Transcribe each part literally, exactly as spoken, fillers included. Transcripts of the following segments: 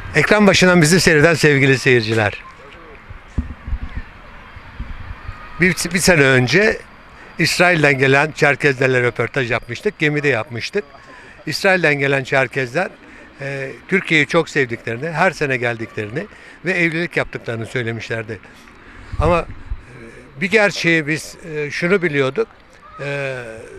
Ekran başından bizi seyreden sevgili seyirciler. Bir, bir sene önce İsrail'den gelen Çerkezlerle röportaj yapmıştık. Gemide yapmıştık. İsrail'den gelen Çerkezler e, Türkiye'yi çok sevdiklerini, her sene geldiklerini ve evlilik yaptıklarını söylemişlerdi. Ama e, bir gerçeği biz e, şunu biliyorduk. E,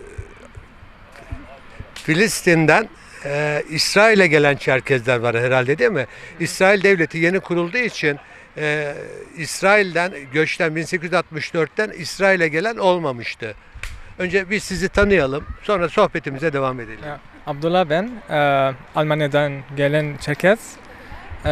Filistin'den e, İsrail'e gelen Çerkezler var herhalde, değil mi? İsrail devleti yeni kurulduğu için e, İsrail'den göçten bin sekiz yüz altmış dörtten İsrail'e gelen olmamıştı. Önce biz sizi tanıyalım, sonra sohbetimize devam edelim. Ya, Abdullah ben, e, Almanya'dan gelen Çerkez. E,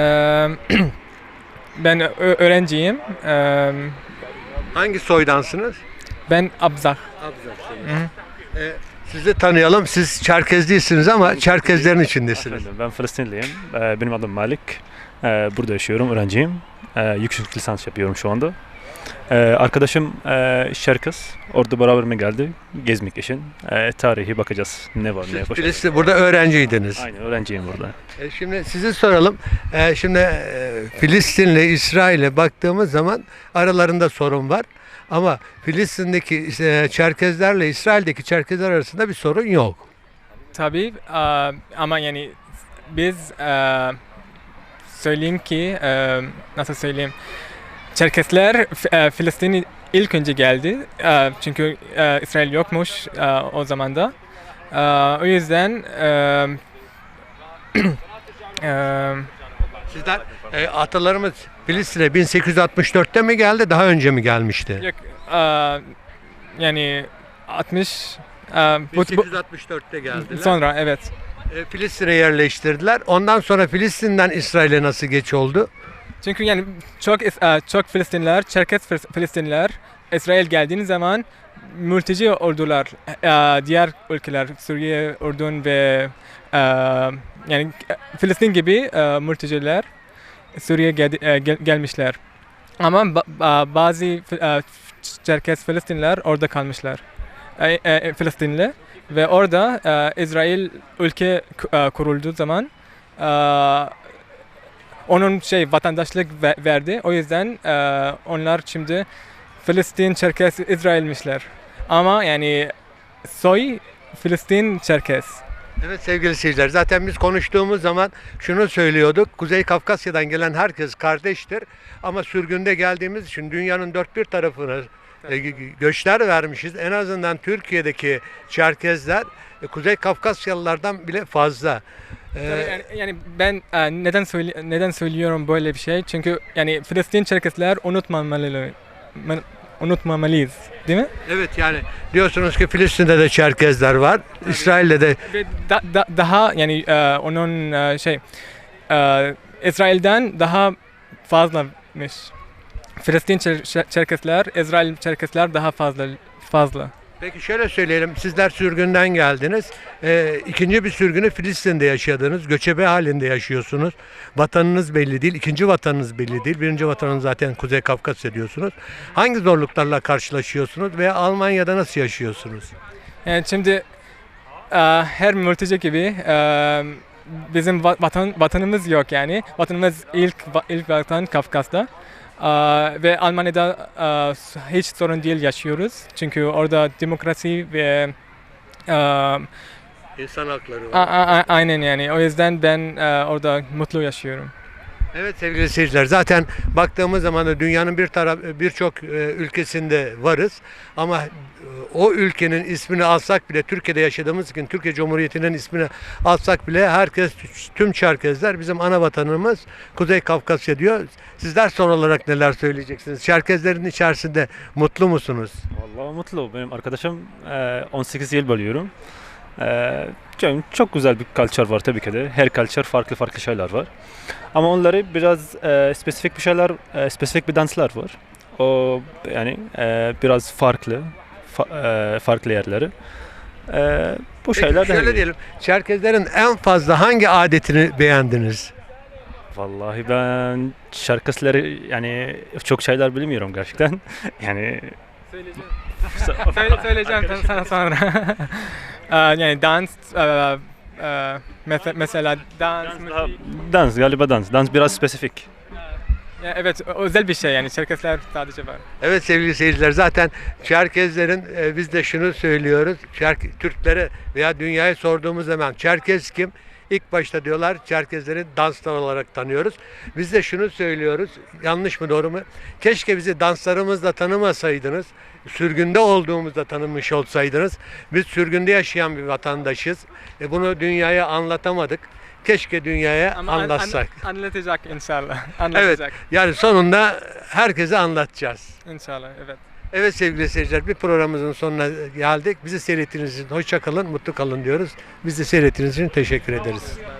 ben ö- öğrenciyim. E, Hangi soydansınız? ben Abzak. Hı. E, sizi tanıyalım. Siz Çerkez değilsiniz ama Çerkezlerin içindesiniz. Efendim, ben Filistinliyim. Ee, Benim adım Malik. Ee, Burada yaşıyorum, öğrenciyim. Ee, Yüksek lisans yapıyorum şu anda. Ee, Arkadaşım e, Çerkez. Orada beraber geldi? Gezmek için. Ee, Tarihi bakacağız. Ne var, ne Siz yapacağız. Filistin, burada öğrenciydiniz. Aynen, öğrenciyim burada. E, şimdi sizi soralım. E, şimdi e, Filistin'le İsrail'e baktığımız zaman aralarında sorun var. Ama Filistin'deki e, Çerkezlerle İsrail'deki Çerkezler arasında bir sorun yok. Tabii e, ama yani biz e, söyleyeyim ki e, nasıl söyleyeyim, Çerkesler F- e, Filistin'e ilk önce geldi. E, çünkü e, İsrail yokmuş e, o zaman da. E, o yüzden e, e, Sizler e, atalarımız Filistin'e bin sekiz yüz altmış dörtte mi geldi, daha önce mi gelmişti? yok, e, yani altmış e, bu- bin sekiz yüz altmış dörtte bu- geldiler. sonra evet. E, Filistin'e yerleştirdiler. Ondan sonra Filistin'den İsrail'e nasıl geç oldu? Çünkü yani çok is- e, çok Filistinliler, Çerkes Fil- Filistinliler İsrail geldiği zaman mülteci oldular. E, diğer ülkeler, Suriye, Ürdün ve e, yani e, Filistin gibi e, mülteciler Suriye geldi- e, gel- gelmişler. Ama ba- ba- bazı Fi- e, Çerkes Filistinliler orada kalmışlar. E, e, Filistinli ve orada e, İsrail ülke ku- e, kurulduğu zaman e, onun şey vatandaşlık ve- verdi. O yüzden e, onlar şimdi Filistin, Çerkes, İsrailmişler. Ama yani soy Filistin, Çerkes. Evet sevgili seyirciler, zaten biz konuştuğumuz zaman şunu söylüyorduk. Kuzey Kafkasya'dan gelen herkes kardeştir. Ama sürgünde geldiğimiz için dünyanın dört bir tarafına e, gö- göçler vermişiz. En azından Türkiye'deki Çerkezler e, Kuzey Kafkasyalılardan bile fazla. E, Tabii yani, yani ben e, neden söyle, neden söylüyorum böyle bir şey? Çünkü yani Filistin, Çerkesler unutmamalı, unutmamalıyız, değil mi? Evet, yani diyorsunuz ki Filistin'de de Çerkezler var. İsrail'de de Ve da- da- daha yani e, onun e, şey e, İsrail'den daha fazlamış. Filistin Çer- Çer- Çerkesler, İsrail Çerkesler daha fazla fazla. Peki şöyle söyleyelim, sizler sürgünden geldiniz. Ee, ikinci bir sürgünü Filistin'de yaşadınız. Göçebe halinde yaşıyorsunuz. Vatanınız belli değil. İkinci vatanınız belli değil. Birinci vatanınız zaten Kuzey Kafkasya diyorsunuz. Hangi zorluklarla karşılaşıyorsunuz veya Almanya'da nasıl yaşıyorsunuz? Yani şimdi e, her mülteci gibi e, bizim va- vatan vatanımız yok yani. Vatanımız ilk va- ilk vatan Kafkas'ta. E, ve Almanya'da e, hiç sorun değil yaşıyoruz. Çünkü orada demokrasi ve e, İnsan hakları A- a- a- aynen yani. O yüzden ben e, orada mutlu yaşıyorum. Evet sevgili seyirciler, zaten baktığımız zaman da dünyanın bir taraf birçok e, ülkesinde varız ama e, o ülkenin ismini alsak bile, Türkiye'de yaşadığımız için Türkiye Cumhuriyeti'nin ismini alsak bile herkes, tüm Çerkezler bizim ana vatanımız Kuzey Kafkasya diyor. Sizler son olarak neler söyleyeceksiniz? Çerkezlerin içerisinde mutlu musunuz? Vallahi mutlu. Benim arkadaşım e, on sekiz yıl bölüyorum. E, Çok, çok güzel bir kültür var tabii ki de. Her kültür farklı farklı şeyler var. Ama onları biraz e, spesifik bir şeyler, e, spesifik bir danslar var. O yani e, biraz farklı, fa- e, farklı yerleri. E, bu Peki şeyler de şöyle diyelim, Çerkezlerin en fazla hangi adetini beğendiniz? Vallahi ben şarkıları yani çok şeyler bilmiyorum gerçekten. Yani Söyle, söyleyeceğim sana sonra. E, yani dans, e, Ee, mesela, mesela dans, Dans, müzik. daha, dans galiba dans. Dans biraz spesifik. Ya evet, ö- özel bir şey yani. Çerkesler sadece var. Evet sevgili seyirciler, zaten Çerkezlerin e, biz de şunu söylüyoruz. Çerk, Türklere veya dünyaya sorduğumuz zaman Çerkez kim? İlk başta diyorlar Çerkezleri danslar olarak tanıyoruz. Biz de şunu söylüyoruz. Yanlış mı doğru mu? Keşke bizi danslarımızla tanımasaydınız. Sürgünde olduğumuzda tanımış olsaydınız. Biz sürgünde yaşayan bir vatandaşız. E, bunu dünyaya anlatamadık. Keşke dünyaya Ama an- an- anlatsak. anlatacak inşallah. Evet. Anlatacak. Yani sonunda herkese anlatacağız. İnşallah, evet. Evet sevgili seyirciler, bir programımızın sonuna geldik. Bizi seyrettiğiniz için hoşça kalın, mutlu kalın diyoruz. Bizi seyrettiğiniz için teşekkür ederiz.